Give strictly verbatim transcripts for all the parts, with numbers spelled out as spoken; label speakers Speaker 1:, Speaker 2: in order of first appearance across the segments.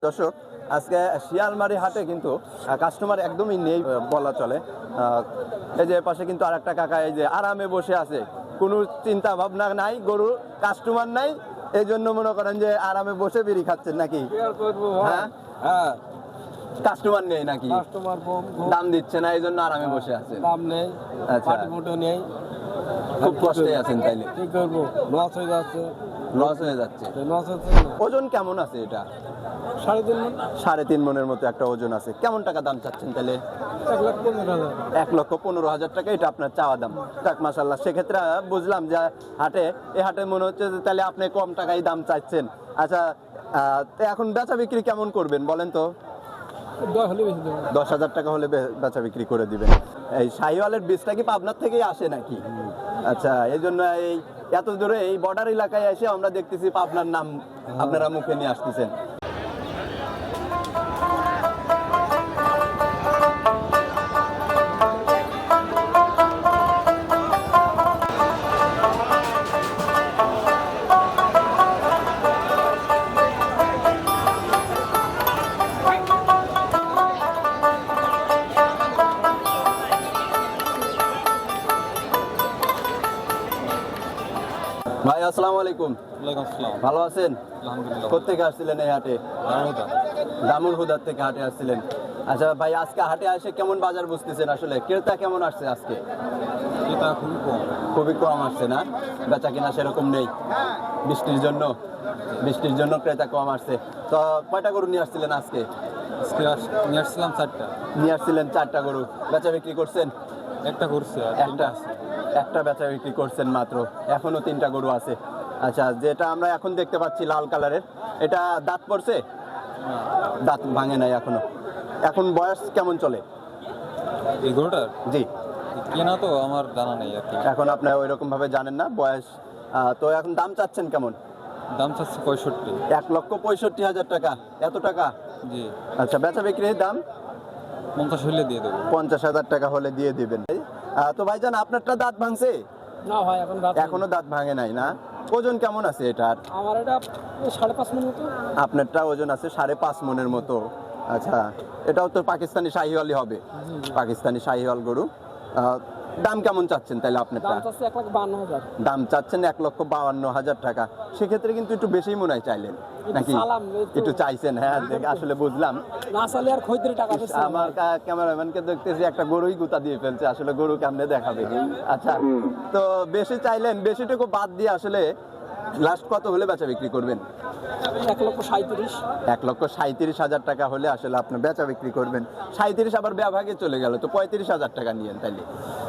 Speaker 1: দর্শক, আজকে শিয়ালমারি হাটে কিন্তু কাস্টমার একদমই নেই বলা চলে। এই যে পাশে কিন্তু আর একটা কাকা এই যে আরামে বসে আছে, কোনো চিন্তা ভাবনা নাই, গরু কাস্টমার নাই, এই জন্য মনে করেন যে আরামে বসে বিড়ি খাচ্ছেন নাকি? হ্যাঁ হ্যাঁ, কাস্টমার নেই নাকি?
Speaker 2: কাস্টমার কম,
Speaker 1: দাম দিচ্ছে না, এই জন্য আরামে বসে আছে।
Speaker 2: দাম নেই,
Speaker 1: আচ্ছা,
Speaker 2: মোটো নেই,
Speaker 1: খুব কষ্টে আছেন তাইলে?
Speaker 2: কি করবো, লস হয়ে যাচ্ছে।
Speaker 1: লস হয়ে যাচ্ছে।
Speaker 2: লস হচ্ছে।
Speaker 1: ওজন কেমন আছে এটা?
Speaker 2: সাড়ে তিন মন।
Speaker 1: সাড়ে তিন মনের মতো একটা ওজন আছে। কেমন টাকা দাম চাচ্ছেন তাহলে?
Speaker 2: এক লাখ পনেরো হাজার।
Speaker 1: এক লক্ষ পনেরো হাজার টাকা এটা আপনার চাওয়া দাম। যাক মাশাআল্লাহ, সেক্ষেত্রে বুঝলাম যে হাটে এই হাটে মনে হচ্ছে যে তাহলে আপনি কম টাকায় দাম চাইছেন। আচ্ছা, তো এখন বেচা বিক্রি কেমন করবেন বলেন তো?
Speaker 2: দশ হলে বেশি দেবো।
Speaker 1: দশ হাজার টাকা হলে বেচা বিক্রি করে দিবেন। এই শাহিওয়ালের বীজটা কি পাবনার থেকেই আসে নাকি? আচ্ছা, এই জন্য এই এত দূরে এই বর্ডার এলাকায় এসে আমরা দেখতেছি পাবনার নাম আপনারা মুখে নিয়ে আসতেছেন। ভাই আসসালামু আলাইকুম।
Speaker 2: ওয়ালাইকুম আসসালাম।
Speaker 1: ভালো আছেন?
Speaker 2: আলহামদুলিল্লাহ।
Speaker 1: কোথেকে আসছিলেন এই হাটে? দামুল হুদার থেকে হাটে আসছিলেন। আচ্ছা ভাই, আজকে হাটে এসে কেমন বাজার বুঝতেছেন? আসলে ক্রেতা কেমন আসছে আজকে?
Speaker 2: এটা খুবই কম।
Speaker 1: খুবই কম আসছে না? বেচা কিনা সেরকম নেই বৃষ্টির জন্য? বৃষ্টির জন্য ক্রেতা কম আসছে। তো কয়টা গরু নিয়ে আসছিলেন আজকে?
Speaker 2: আজকে নিয়ে আসছিলাম চারটা।
Speaker 1: নিয়ে আসছিলেন চারটা গরু। বেচা বিক্রি করছেন?
Speaker 2: একটা করছে,
Speaker 1: একটা একটা বেচা বিক্রি করছেন মাত্র, এখনো তিনটা গরু আছে। আচ্ছা, যেটা আমরা এখন দেখতে পাচ্ছি লাল কালারের, এটা দাঁত পড়ছে? দাঁত ভাঙে নাই এখনো। এখন বয়স কেমন চলে
Speaker 2: এই গরুটার?
Speaker 1: জি,
Speaker 2: কেনা তো আমার জানা নেই আর কি।
Speaker 1: এখন আপনার ওই রকম ভাবে জানেন না বয়স। আহ, তো এখন দাম চাচ্ছেন কেমন?
Speaker 2: দাম চাচ্ছে পঁয়ষট্টি।
Speaker 1: এক লক্ষ পঁয়ষট্টি হাজার টাকা? এত টাকা?
Speaker 2: জি।
Speaker 1: আচ্ছা, বেচা বিক্রির দাম
Speaker 2: পঞ্চাশ হলে দিয়ে দেবো।
Speaker 1: পঞ্চাশ হাজার টাকা হলে দিয়ে দিবেন। আহ, তো ভাইজান, আপনারটা দাঁত ভাঙছে?
Speaker 2: না ভাই, এখন
Speaker 1: এখনো দাঁত ভাঙে নাই না? ওজন কেমন আছে এটার?
Speaker 2: আমার এটা সাড়ে পাঁচ মন মতো।
Speaker 1: আপনারটা ওজন আছে সাড়ে পাঁচ মনের মতো। আচ্ছা, এটাও তো পাকিস্তানি শাহিওয়ালই হবে। পাকিস্তানি শাহিওয়াল গরু। আহ, দাম কেমন চাচ্ছেন তাহলে আপনারটা?
Speaker 2: এক লাখ বান্ন হাজার।
Speaker 1: দাম চাচ্ছেন এক লক্ষ বাউান্ন হাজার টাকা। সেক্ষেত্রে কিন্তু একটু বেশি মনে হয় চাইলেন নাকি? একটু চাইছেন, হ্যাঁ আসলে বুঝলাম।
Speaker 2: না চাইলে আর খরিদ্দারি টাকা দিচ্ছে।
Speaker 1: আমার ক্যামেরাম্যানকে দেখতেছি একটা গরুই গুতা দিয়ে ফেলছে, আসলে গরু কেমনে দেখাবে। আচ্ছা, তো বেশি চাইলেন, বেশিটুকু বাদ দিয়ে আসলে লাস্ট কত হলে বেচা বিক্রি করবেন?
Speaker 2: এক লক্ষ সাঁইত্রিশ।
Speaker 1: এক লক্ষ সাঁইত্রিশ হাজার টাকা হলে আসলে আপনি বেচা বিক্রি করবেন। সাঁইত্রিশ আবার বিভাগে চলে গেল, তো পঁয়ত্রিশ হাজার টাকা নিয়েন তাইলে।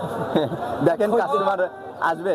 Speaker 1: দেখেন কাস্টমার আসবে।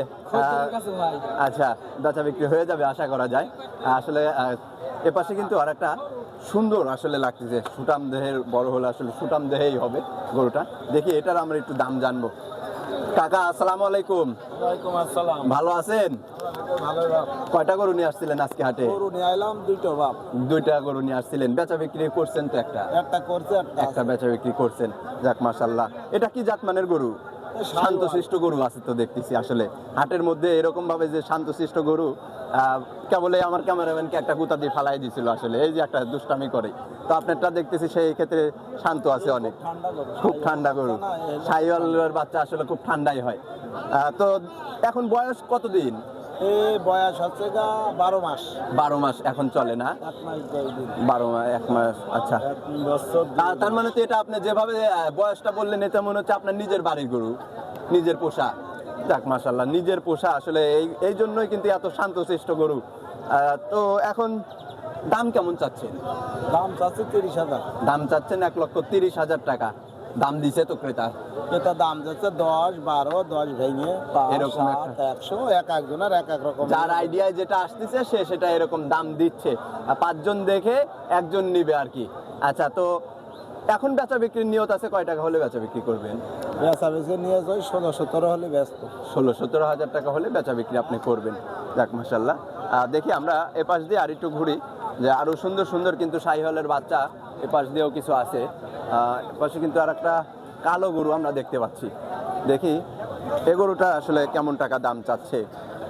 Speaker 1: আচ্ছা, বেচা বিক্রি হয়ে যাবে আশা করা যায়। আসলে এপাশে কিন্তু আর একটা সুন্দর আসলে লাগতেছে, সুটাম দেহের বড় হলে আসলে সুটাম দেহেই হবে গরুটা। দেখি এটার আমরা একটু দাম জানবো। কাকা আসসালামু আলাইকুম।
Speaker 2: ওয়ালাইকুম আসসালাম।
Speaker 1: ভালো আছেন?
Speaker 2: ভালো বাপ।
Speaker 1: কয়টা গরু নিয়ে আসছিলেন আজকে হাটে?
Speaker 2: গরু নিয়ে আইলাম দুইটা বাপ।
Speaker 1: দুইটা গরু নিয়ে আসছিলেন, বেচা বিক্রি করছেন তো? একটা
Speaker 2: একটা করছে,
Speaker 1: একটা বেচা বিক্রি করছেন। যাক মাশাআল্লাহ। এটা কি জাতমানের গরু? শান্তশিষ্ট গরু আছে তো দেখতেছি। আসলে হাটের মধ্যে এরকম ভাবে যে শান্তশিষ্ট গরু, কেবল আমার ক্যামেরাম্যানকে একটা গুতা দিয়ে ফালাই দিছিল আসলে, এই যে একটা দুষ্টামি করে। তো আপনারটা দেখতেছি সেই ক্ষেত্রে শান্ত আছে অনেক, খুব ঠান্ডা গরু। শাহিওয়ালের বাচ্চা আসলে খুব ঠান্ডাই হয়। তো এখন বয়স কতদিন?
Speaker 2: এই বয়স হচ্ছে গা বারো মাস।
Speaker 1: বারো মাস এখন চলে না?
Speaker 2: এক মাস দশ দিন।
Speaker 1: বারো মাস এক মাস। আচ্ছা,
Speaker 2: এক বছর।
Speaker 1: তার মানে তো এটা আপনি যেভাবে বয়সটা বললেন, এটা মনে হচ্ছে আপনার নিজের বাড়ির গরু, নিজের পোষা। যাক মাশাআল্লাহ, নিজের পোষা আসলে এই এই জন্যই কিন্তু এত শান্তশিষ্ট গরু। তো এখন দাম কেমন চাচ্ছেন?
Speaker 2: দাম চাচ্ছে তিরিশ হাজার।
Speaker 1: দাম চাচ্ছেন এক লক্ষ তিরিশ হাজার টাকা। দাম দিছে তো ক্রেতা?
Speaker 2: এটা দাম যাচ্ছে দশ, বারো, দশ ভেঙে
Speaker 1: এরকম
Speaker 2: একশো, এক একজনের এক এক রকম।
Speaker 1: যার আইডিয়ায় যেটা আসতেছে সে সেটা এরকম দাম দিচ্ছে। পাঁচজন দেখে একজন নিবে আর কি। আচ্ছা, তো এখন বেচা বিক্রির নিয়ত আছে কয় টাকা হলে বেচা বিক্রি করবেন?
Speaker 2: বেচা বিক্রি নিয়ে যাই ষোলো সতেরো হলে ব্যস্ত।
Speaker 1: ষোলো সতেরো হাজার টাকা হলে বেচা বিক্রি আপনি করবেন। যাক মাশাআল্লাহ। দেখি আমরা এপাশ দিয়ে আর একটু ঘুরি, যে আরো সুন্দর সুন্দর কিন্তু শাহিওয়ালের বাচ্চা এপাশ দিয়েও কিছু আছে। এপাশে কিন্তু আর একটা কালো গরু আমরা দেখতে পাচ্ছি। দেখি এ গরুটা আসলে কেমন টাকা দাম চাচ্ছে।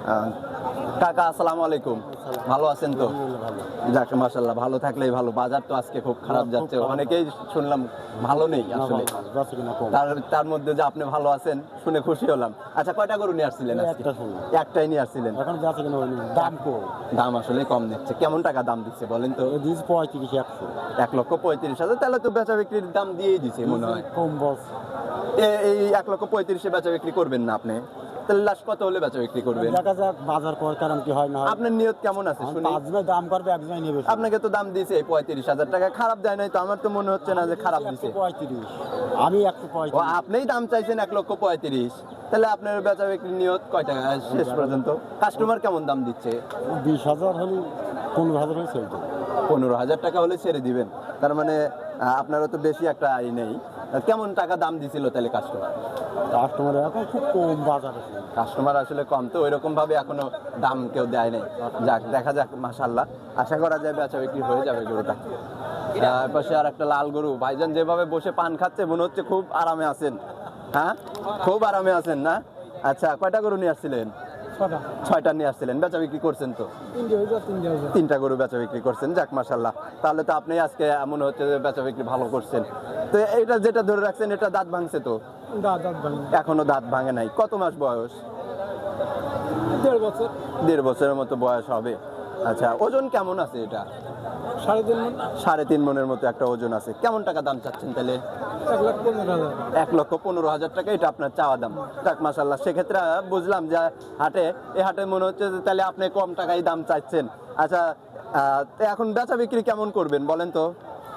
Speaker 1: আহ, কাকা আসসালামু আলাইকুম, ভালো আছেন তো? যাক মাশাআল্লাহ, ভালো থাকলেই ভালো। বাজার তো আজকে খুব খারাপ যাচ্ছে, অনেকেই শুনলাম ভালো নেই আসলে। তার তার মধ্যে যে আপনি ভালো আছেন শুনে খুশি হলাম। আচ্ছা, কয়টা গরু নিয়ে আসছিলেন আজকে? একটাই নিয়ে আসছিলেন।
Speaker 2: এখন যাচ্ছে কিনা হয়নি, দাম কম,
Speaker 1: দাম আসলে কম নিচ্ছে। কেমন টাকা দাম দিচ্ছে বলেন তো?
Speaker 2: দিস পঁয়ত্রিশ একশো
Speaker 1: এক লক্ষ পঁয়ত্রিশ হাজার। তাহলে তো বেচা বিক্রির দাম দিয়েই দিছে মনে হয়।
Speaker 2: কম বস।
Speaker 1: এ- এই এক লক্ষ পঁয়ত্রিশে বেচা বিক্রি করবেন না আপনি? তাহলে লাস্ট কত হলে বেচা বিক্রি করবেন?
Speaker 2: দেখা যাক বাজার কর কারণ কি হয় না হয়।
Speaker 1: আপনার নিয়ত কেমন আছে শুনি?
Speaker 2: পাঁচজনে দাম করবে, একজনে নেবে।
Speaker 1: আপনাকে তো দাম দিয়েছে পঁয়ত্রিশ হাজার টাকা, খারাপ দেয় নাই তো? আমার তো মনে হচ্ছে না যে খারাপ দিছে।
Speaker 2: পঁয়ত্রিশ, আমি একশো
Speaker 1: ও,
Speaker 2: পঁয়ত্রিশ।
Speaker 1: আপনিই দাম চাইছেন এক লক্ষ পঁয়ত্রিশ, তাহলে আপনার বেচা বিক্রির নিয়ত কয় টাকা শেষ পর্যন্ত? কাস্টমার কেমন দাম দিচ্ছে?
Speaker 2: বিশ হাজার হলে, পনেরো হাজার হলে চলবে।
Speaker 1: পনেরো হাজার টাকা হলে ছেড়ে দিবেন? তার মানে আহ, আপনারও তো বেশি একটা আয় নেই। কেমন টাকা দাম দিছিল তাহলে কাস্টমার?
Speaker 2: কাস্টমার এখন খুব কম বাজার আছে।
Speaker 1: কাস্টমার আসলে কম তো, ওইরকম ভাবে এখনো দাম কেউ দেয় নাই। যাক, দেখা যাক, মাশাআল্লাহ, আশা করা যায় বেচা বিক্রি হয়ে যাবে গরুটা। তার পাশে আর একটা লাল গরু। ভাইজান যেভাবে বসে পান খাচ্ছে মনে হচ্ছে খুব আরামে আছেন। হ্যাঁ, খুব আরামে আছেন না? আচ্ছা, কয়টা গরু নিয়ে আসছিলেন? ছয়টা নিয়ে আসছিলেন। বেচা বিক্রি করছেন তো? তিনটা গরু বেচা বিক্রি করছেন। যাক মাশাআল্লাহ, তাহলে তো আপনি আজকে মনে হচ্ছে যে বেচা বিক্রি ভালো করছেন। তো এটা যেটা ধরে রাখছেন, এটা দাঁত ভাঙছে তো? এখনো দাঁত ভাঙে নাই। কত মাস বয়স?
Speaker 2: দেড় বছর।
Speaker 1: দেড় বছরের মতো বয়স হবে। আচ্ছা, ওজন কেমন আছে এটা?
Speaker 2: সাড়ে তিন মণ।
Speaker 1: সাড়ে তিন মনের মতো একটা ওজন আছে। কেমন টাকা দাম চাচ্ছেন তাহলে?
Speaker 2: এক লাখ পনেরো হাজার।
Speaker 1: এক লক্ষ পনেরো হাজার টাকা এটা আপনার চাওয়া দাম। যাক মাশাআল্লাহ, সেক্ষেত্রে বুঝলাম যে হাটে, এই হাটে মনে হচ্ছে যে তাহলে আপনি কম টাকায় দাম চাইছেন। আচ্ছা, আহ, তো এখন বেচা বিক্রি কেমন করবেন বলেন তো?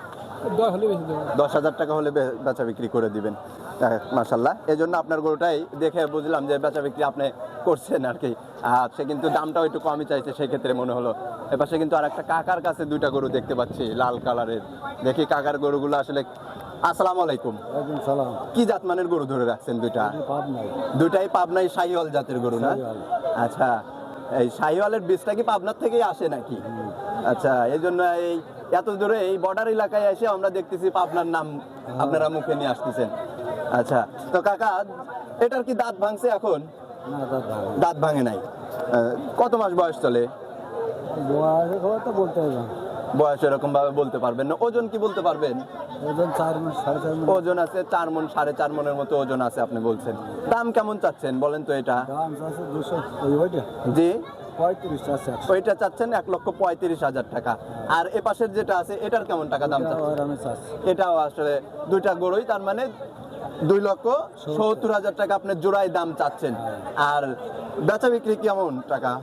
Speaker 1: দশ হাজার টাকা হলে বে- বেচা বিক্রি করে দিবেন। মাশাআল্লাহ, এই জন্য আপনার গরুটাই দেখে বুঝলাম যে বেচা বিক্রি আপনি করছেন আর কি। আর সে কিন্তু দামটাও একটু কমই চাইছে, সেই ক্ষেত্রে মনে হলো। এপাশে কিন্তু আর একটা কাকার কাছে দুইটা গরু দেখতে পাচ্ছি লাল কালারের। দেখি কাকার গরুগুলো আসলে। আসসালামু আলাইকুম,
Speaker 2: ওয়ালাইকুম সালাম।
Speaker 1: কি জাতমানের গরু ধরে রাখছেন দুইটা?
Speaker 2: পাব নাই।
Speaker 1: দুইটাই পাবনাই শাহিওয়াল জাতের গরু না?
Speaker 2: শাহিওয়াল।
Speaker 1: আচ্ছা, এই শাহিওয়ালের বীজটা কি পাবনার থেকেই আসে নাকি? আচ্ছা, এই জন্য এই এত দূরে এই বর্ডার এলাকায় এসে আমরা দেখতেছি পাবনার নাম আপনারা মুখে নিয়ে আসতেছেন। আচ্ছা, তো কাকা, এটার কি দাঁত ভাঙছে এখন?
Speaker 2: না দাদা,
Speaker 1: দাঁত ভাঙে নাই। আহ, কত মাস বয়স চলে?
Speaker 2: বয়সের খবর তো বলতে হবে না।
Speaker 1: বয়স এরকম ভাবে বলতে পারবেন না। ওজন কি বলতে পারবেন?
Speaker 2: ওজন চার মাস, সাড়ে চার মাস।
Speaker 1: ওজন আছে চার মন, সাড়ে চার মনের মতো ওজন আছে আপনি বলছেন। দাম কেমন চাচ্ছেন বলেন তো এটা?
Speaker 2: দাম আছে দুশো, ওই ওইটা
Speaker 1: জি,
Speaker 2: পঁয়ত্রিশ আছে।
Speaker 1: ওইটা চাচ্ছেন এক লক্ষ পঁয়ত্রিশ হাজার টাকা। আর এ পাশের যেটা আছে এটার কেমন টাকা দাম চাচ্ছেন?
Speaker 2: আমি চাচ্ছি
Speaker 1: এটাও আসলে দুইটা গরুই, তার মানে দুই লক্ষ সত্তর হাজার টাকা আপনার জোড়ায় দাম চাচ্ছেন। আর বেচা বিক্রি কেমন টাকা?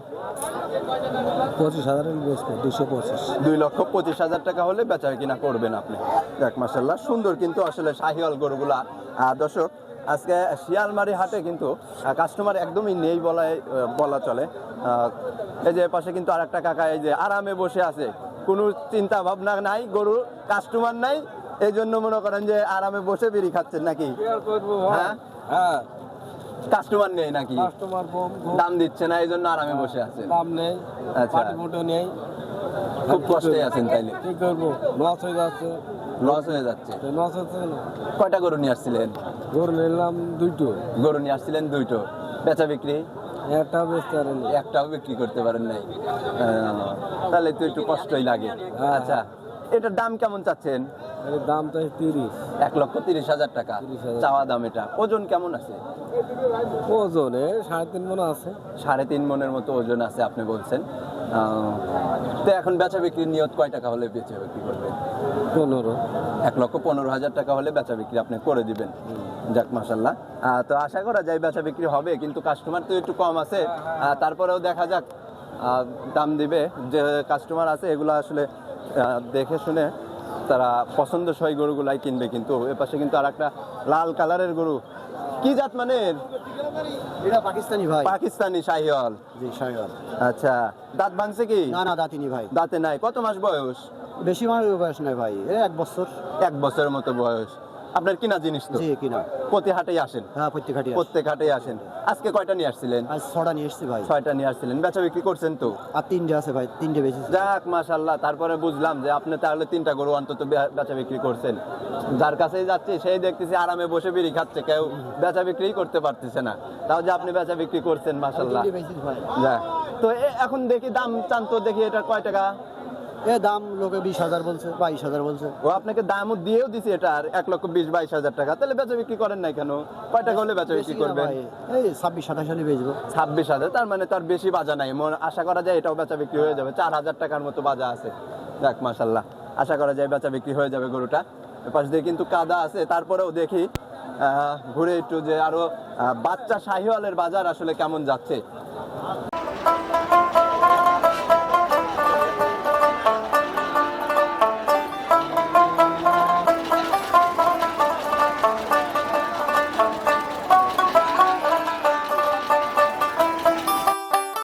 Speaker 2: পঁচিশ হাজারের বেচবো, দুশো পঁচিশ।
Speaker 1: দুই লক্ষ পঁচিশ হাজার টাকা হলে বেচা কিনা করবেন আপনি। দেখ মাশাআল্লাহ, সুন্দর কিন্তু আসলে শাহিওয়াল গরুগুলা। আহ, দর্শক, আজকে শিয়ালমারি হাটে কিন্তু কাস্টমার একদমই নেই বলাই বলা চলে। আহ, এই যে পাশে কিন্তু আর একটা কাকা এই যে আরামে বসে আছে, কোনো চিন্তা ভাবনা নাই, গরু কাস্টমার নাই, এই জন্য মনে করেন যে আরামে বসে বিড়ি খাচ্ছেন নাকি? হ্যাঁ,
Speaker 2: হ্যাঁ,
Speaker 1: কাস্টমার নেই নাকি?
Speaker 2: কাস্টমার কম,
Speaker 1: দাম দিচ্ছে না, এই জন্য আরামে বসে আছেন।
Speaker 2: দাম নেই,
Speaker 1: আচ্ছা,
Speaker 2: পাটি মোটো নেই।
Speaker 1: খুব কষ্টে আছেন তাইলে।
Speaker 2: কি করবো, লস হয়ে যাচ্ছে।
Speaker 1: লস হয়ে যাচ্ছে।
Speaker 2: লস হচ্ছে না।
Speaker 1: কয়টা গরু নিয়ে আসছিলেন?
Speaker 2: গরু নিলাম দুইটো,
Speaker 1: গরু নিয়ে আসছিলেন দুইটো, বেচা বিক্রি
Speaker 2: একটা বেচতে পারেনি।
Speaker 1: একটাও বিক্রি করতে পারেন নাই। আহ, তাহলে তো একটু কষ্টই লাগে।
Speaker 2: হ্যাঁ।
Speaker 1: আচ্ছা, এটার দাম কেমন চাচ্ছেন?
Speaker 2: এর দাম তো তিরিশ।
Speaker 1: এক লক্ষ তিরিশ হাজার টাকা
Speaker 2: তিরিশ হাজার।
Speaker 1: চাওয়া দাম। এটা ওজন কেমন আছে?
Speaker 2: ওজনে সাড়ে তিন মণ আছে।
Speaker 1: সাড়ে তিন মনের মতো ওজন আছে আপনি বলছেন। আহ, তো এখন বেচা বিক্রির নিয়ত কয় টাকা হলে বেচা বিক্রি করবেন?
Speaker 2: পনেরো।
Speaker 1: এক লক্ষ পনেরো হাজার টাকা হলে বেচা বিক্রি আপনি করে দিবেন। যাক মাশাআল্লাহ, আহ, তো আশা করা যায় বেচা বিক্রি হবে, কিন্তু কাস্টমার তো একটু কম আছে। আহ, তারপরেও দেখা যাক, আহ, দাম দিবে যে কাস্টমার আছে এগুলো আসলে আহ, দেখে শুনে তারা পছন্দসই গরুগুলাই কিনবে। কিন্তু এপাশে কিন্তু আর একটা লাল কালারের গরু। কি জাত মানের?
Speaker 2: এটা পাকিস্তানি ভাই।
Speaker 1: পাকিস্তানি শাহিওয়াল।
Speaker 2: জি শাহিওয়াল।
Speaker 1: আচ্ছা, দাঁত ভাঙছে কি?
Speaker 2: না না, দাঁতিনি ভাই।
Speaker 1: দাঁতে নাই। কত মাস বয়স?
Speaker 2: বেশি মাস বয়স নয় ভাই, এ এক বছর।
Speaker 1: এক বছরের মতো বয়স। আপনার কিনা জিনিস তো?
Speaker 2: জি কিনা।
Speaker 1: প্রতি হাটেই আসেন?
Speaker 2: হ্যাঁ প্রত্যেক হাটে।
Speaker 1: প্রত্যেক হাটেই আসেন। আজকে কয়টা নিয়ে আসছিলেন?
Speaker 2: আজ ছটা নিয়ে এসছি ভাই।
Speaker 1: ছয়টা নিয়ে আসছিলেন, বেচা বিক্রি করছেন তো?
Speaker 2: আর তিনটে আছে ভাই, তিনটে বেশি।
Speaker 1: যাক মাশাআল্লাহ, তারপরে বুঝলাম যে আপনি তাহলে তিনটা গরু অন্তত বে- বেচা বিক্রি করছেন। যার কাছেই যাচ্ছি সেই দেখতেছি আরামে বসে বিড়ি খাচ্ছে, কেউ বেচা বিক্রি করতে পারতেছে না, তাও যে আপনি বেচা বিক্রি করছেন মাশাআল্লাহ। যাক, তো এ- এখন দেখি দাম চান তো, দেখি এটা কয় টাকা?
Speaker 2: এ দাম লোকে বিশ হাজার বলছে, বাইশ হাজার বলছে।
Speaker 1: ও আপনাকে দামও দিয়েও দিছি এটার এক লক্ষ বিশ বাইশ হাজার টাকা, তাহলে বেচা বিক্রি করেন নাই কেন? কয় টাকা হলে বেচা বিক্রি
Speaker 2: বেশি না
Speaker 1: করবেন?
Speaker 2: ভাই, এই ছাব্বিশ সাতাশ হলে বেচবো।
Speaker 1: ছাব্বিশ হাজার, তার মানে তার বেশি বাজা নাই, মনে- আশা করা যায় এটাও বেচা বিক্রি হয়ে যাবে। চার হাজার টাকার মতো বাজা আছে। যাক মাশাল্লাহ, আশা করা যায় বেচা বিক্রি হয়ে যাবে গরুটা। এপাশ দিয়ে কিন্তু কাদা আছে, তারপরেও দেখি আহ, ঘুরে একটু যে আরো আহ, বাচ্চা শাহিওয়ালের বাজার আসলে কেমন যাচ্ছে।